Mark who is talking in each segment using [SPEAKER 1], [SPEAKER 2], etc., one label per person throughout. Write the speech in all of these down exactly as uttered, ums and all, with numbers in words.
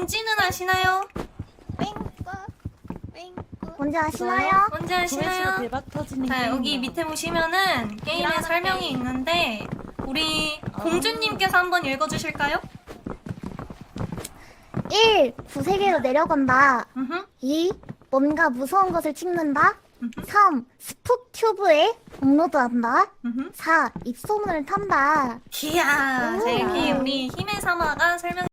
[SPEAKER 1] 뭔지는 아시나요?
[SPEAKER 2] 뭔지 아시나요?
[SPEAKER 1] 뭔지 아시나요?
[SPEAKER 3] 대박 터지는
[SPEAKER 1] 자, 여기 밑에 보시면은 게임의 설명이 있는데 우리 공주님께서 한번 읽어주실까요?
[SPEAKER 2] 일. 구세계로 내려간다.
[SPEAKER 1] 음흠.
[SPEAKER 2] 이. 뭔가 무서운 것을 찍는다.
[SPEAKER 1] 음흠.
[SPEAKER 2] 삼. 스푹튜브에 업로드한다.
[SPEAKER 1] 음흠.
[SPEAKER 2] 사. 입소문을 탄다.
[SPEAKER 1] 이야, 자, 이렇게
[SPEAKER 2] 오.
[SPEAKER 1] 우리 힘의 사마가 설명.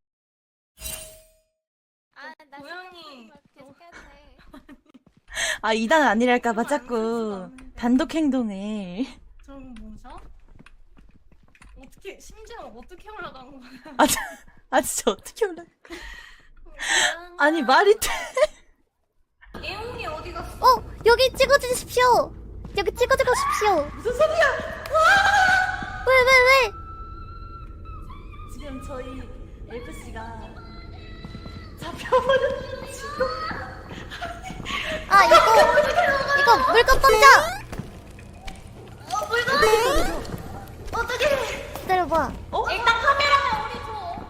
[SPEAKER 4] 아, 나
[SPEAKER 1] 고양이.
[SPEAKER 4] 계속했네.
[SPEAKER 3] 아 이 단 아니랄까봐
[SPEAKER 1] 이거 안
[SPEAKER 3] 자꾸
[SPEAKER 1] 쓸 수가 없는데.
[SPEAKER 3] 단독 행동을.
[SPEAKER 1] 저건 뭐죠? 어떻게 심지어 어떻게 올라간 거야?
[SPEAKER 3] 아, 자, 아 진짜 어떻게 올라? 아니 말이 돼?
[SPEAKER 1] 애용이 어디 갔어?
[SPEAKER 2] 어! 여기 찍어주십시오! 여기 찍어주십시오!
[SPEAKER 3] 무슨 소리야?
[SPEAKER 2] 왜, 왜, 왜?
[SPEAKER 3] 지금 저희 엘프 씨가 잡혀버렸.
[SPEAKER 2] 아, 이거, 이거 물건 던져!
[SPEAKER 1] 어, 물건! 어떻게?
[SPEAKER 2] 기다려봐.
[SPEAKER 3] 어?
[SPEAKER 1] 일단 카메라만 우리 줘.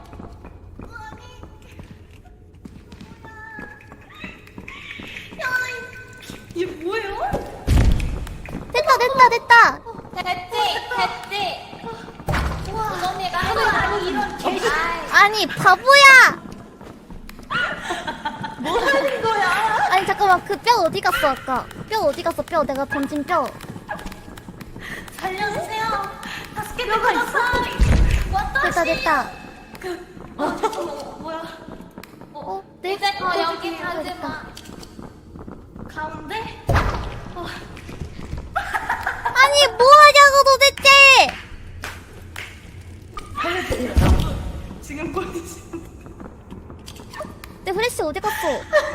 [SPEAKER 1] 이게 뭐예요?
[SPEAKER 2] 됐다, 됐다, 됐다!
[SPEAKER 4] 됐지? 됐지? 우정이가 해봐. 이런 개.
[SPEAKER 2] 아니, 바보야!
[SPEAKER 3] 뭐 하는 거야?
[SPEAKER 2] 아니, 잠깐만, 그 뼈 어디 갔어, 아까? 뼈 어디 갔어, 뼈? 내가 던진 뼈.
[SPEAKER 1] 살려주세요. 다섯 개 들어갔어.
[SPEAKER 2] 됐다, 됐다.
[SPEAKER 1] 어, 잠깐만, 뭐야?
[SPEAKER 2] 어, 네?
[SPEAKER 4] 이제 더 여기
[SPEAKER 2] 됐다,
[SPEAKER 4] 가지
[SPEAKER 2] 됐다.
[SPEAKER 4] 마.
[SPEAKER 1] 가운데? 어,
[SPEAKER 2] 아니, 뭐 하냐고, 도대체!
[SPEAKER 1] 지금 보이시는
[SPEAKER 2] 내 후레쉬 어디 갔어?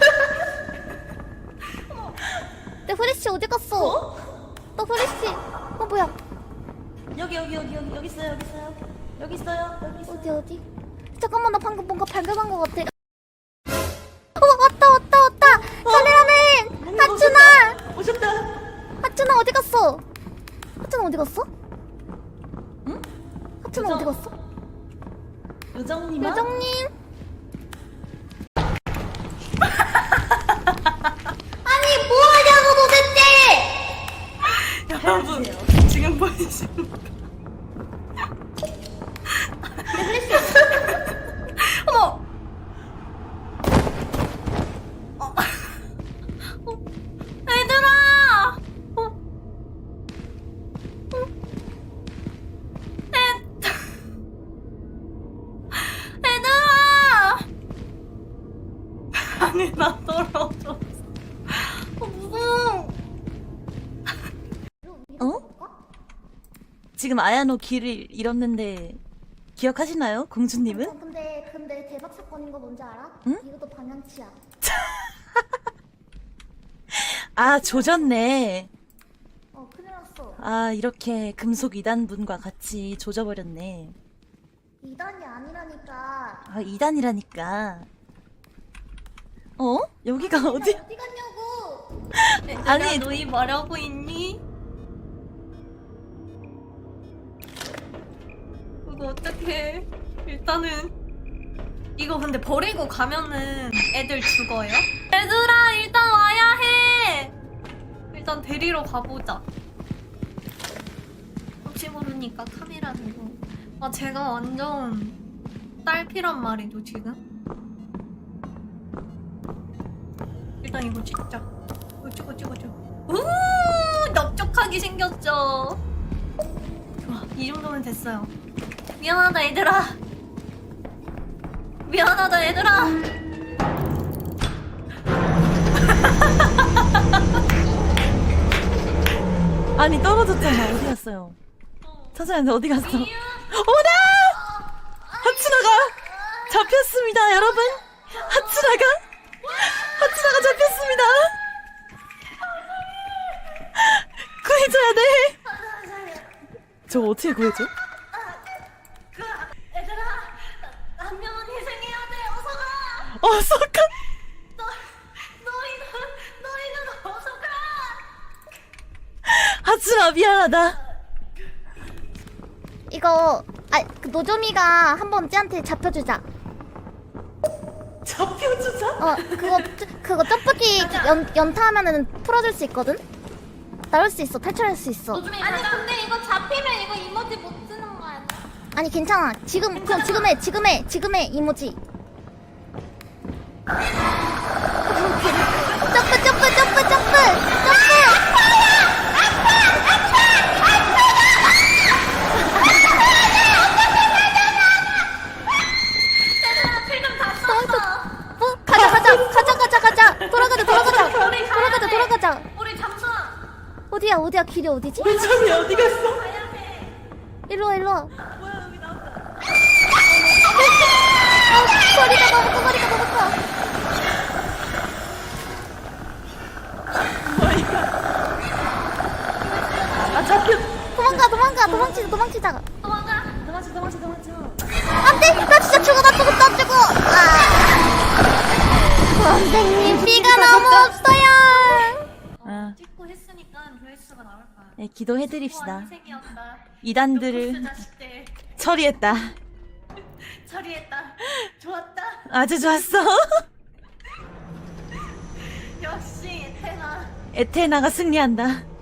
[SPEAKER 2] 내 후레쉬 어디 갔어? 너 후레쉬. 어, 뭐야?
[SPEAKER 3] 여기 여기 여기 여기 여기 있어요 여기 있어요 여기 있어요 여기 있어요.
[SPEAKER 2] 어디, 어디? 잠깐만, 나 방금 뭔가 발견한 것 같아. 어, 왔다, 왔다, 왔다! 카메라맨!
[SPEAKER 3] 뭔가
[SPEAKER 2] 하춘아!
[SPEAKER 3] 오셨다.
[SPEAKER 2] 하춘아, 어디 갔어? 하춘아, 어디 갔어?
[SPEAKER 3] 응?
[SPEAKER 2] 하춘아, 어디 갔어?
[SPEAKER 3] 요정님.
[SPEAKER 2] 요정님! 아니, 뭐 하냐고, 도대체!
[SPEAKER 1] 여러분, 지금 보이시는
[SPEAKER 2] 내 후레쉬.
[SPEAKER 1] 어머! 어. 어. 얘들아! 어. 어. 애... 얘들아! 아니, 나 떨어졌어. 어, 무서워.
[SPEAKER 3] 어? 지금 아야노 길을 잃었는데 기억하시나요, 공주님은?
[SPEAKER 2] 어, 근데, 근데 대박 사건인 거 뭔지 알아?
[SPEAKER 3] 응?
[SPEAKER 2] 이것도 방향치야.
[SPEAKER 3] 아 조졌네.
[SPEAKER 2] 어, 큰일 났어.
[SPEAKER 3] 아 이렇게 금속 이단분과 같이 조져버렸네.
[SPEAKER 2] 이단이 아니라니까.
[SPEAKER 3] 아 이단이라니까. 어? 여기가 어디?
[SPEAKER 2] 어디 갔냐고!
[SPEAKER 1] 얘들아,
[SPEAKER 3] 아니.
[SPEAKER 1] 너희 뭐라고 있니? 이거 어떡해. 일단은 이거 근데 버리고 가면은 애들 죽어요? 얘들아, 일단 와야 해. 일단 데리러 가보자. 혹시 모르니까 카메라 들고. 아, 제가 완전 딸피란 말이죠 지금. 일단 이거 찍자. 이거 찍어 찍어 찍어. 우, 넓적하게 생겼죠. 좋아, 이 정도면 됐어요. 미안하다 얘들아. 미안하다 얘들아.
[SPEAKER 3] 아니 떨어졌잖아. 어디 갔어요? 찾아야는데 어디 갔어?
[SPEAKER 1] 미유.
[SPEAKER 3] 어머나! 하츠나가 잡혔습니다, 여러분. 하츠나가 하츠나가 잡혔습니다. 구해줘야 돼. 저 어떻게 구해줘?
[SPEAKER 1] 그 얘들아, 한 명은 희생해야 돼. 어서 가.
[SPEAKER 3] 어서 가.
[SPEAKER 1] 너 너희는 너희는 어서 가.
[SPEAKER 3] 하츠나 미안하다.
[SPEAKER 2] 이거, 아, 그 노조미가 한번 쟤한테 잡혀주자.
[SPEAKER 3] 잡 진짜?
[SPEAKER 2] 어 그거 그거 점프기 연 연타하면은 풀어줄 수 있거든. 나올 수 있어. 탈출할 수 있어.
[SPEAKER 4] 아니 근데 이거 잡히면 이거 이모지 못 쓰는 거 아니야?
[SPEAKER 2] 아니 괜찮아. 지금 그럼 지금 해. 지금 해. 지금 해 이모지. 점프 점프 점프 점프 점프. 어? 가자 가자 가자 가자 가자 돌아가자 돌아가자 돌아가자 돌아가자.
[SPEAKER 4] 우리 잠수.
[SPEAKER 2] 어디야 어디야 길이 어디지?
[SPEAKER 3] 우리 점이 어디 갔어?
[SPEAKER 2] 일로와 일로와.
[SPEAKER 3] 뭐야 여기 나왔다.
[SPEAKER 2] 아 거리가 너무 커 거리가 너무 커.
[SPEAKER 3] 아 잡혀.
[SPEAKER 2] 도망가 도망가 도망치자 도망치자.
[SPEAKER 4] 도망가.
[SPEAKER 3] 도망쳐 도망쳐 도망쳐.
[SPEAKER 2] 안돼 나 진짜 죽어 나 죽어 나 죽어. 아 선생님 피가 너무 없어요.
[SPEAKER 3] 아,
[SPEAKER 1] 찍고 했으니까 조회수가 나올 거야.
[SPEAKER 3] 네, 기도해드립시다.
[SPEAKER 1] 희생이었다.
[SPEAKER 3] 이단들을
[SPEAKER 1] 자식들
[SPEAKER 3] 처리했다.
[SPEAKER 1] 처리했다. 좋았다.
[SPEAKER 3] 아주 좋았어.
[SPEAKER 1] 역시 테나.
[SPEAKER 3] 에테나가 승리한다.